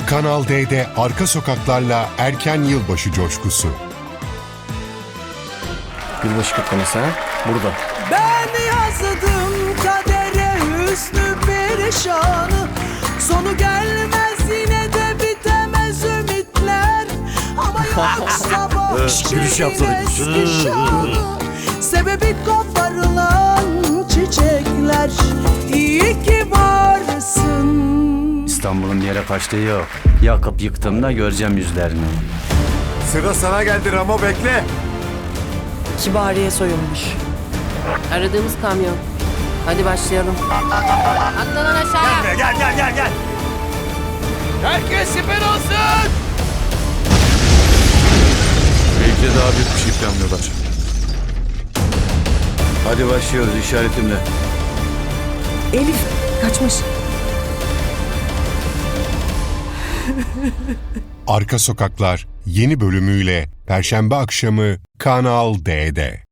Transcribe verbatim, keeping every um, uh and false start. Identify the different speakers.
Speaker 1: Kanal D'de arka sokaklarla erken yılbaşı coşkusu.
Speaker 2: Yılbaşı kutlaması ha? Burada.
Speaker 3: Ben yazdım kadere hüsnü perişanı. Sonu gelmez yine de bitemez ümitler. Ama yok sabah
Speaker 2: gülüş yapsana.
Speaker 3: eski şanı. Sebebi koparılan çiçekler. İyi ki varsın.
Speaker 2: İstanbul'un bir yere kaçtığı yok. Yakıp yıktığımda göreceğim yüzlerini.
Speaker 4: Sıra sana geldi Ramo, bekle.
Speaker 5: Kibariye soyulmuş.
Speaker 6: Aradığımız kamyon. Hadi başlayalım. Atla lan aşağıya.
Speaker 4: Gel gel gel gel.
Speaker 7: Herkes siper olsun.
Speaker 4: Belki de daha büyük bir şey planlıyorlar. Hadi başlıyoruz işaretimle.
Speaker 5: Elif kaçmış.
Speaker 1: Arka Sokaklar yeni bölümüyle Perşembe akşamı Kanal D'de.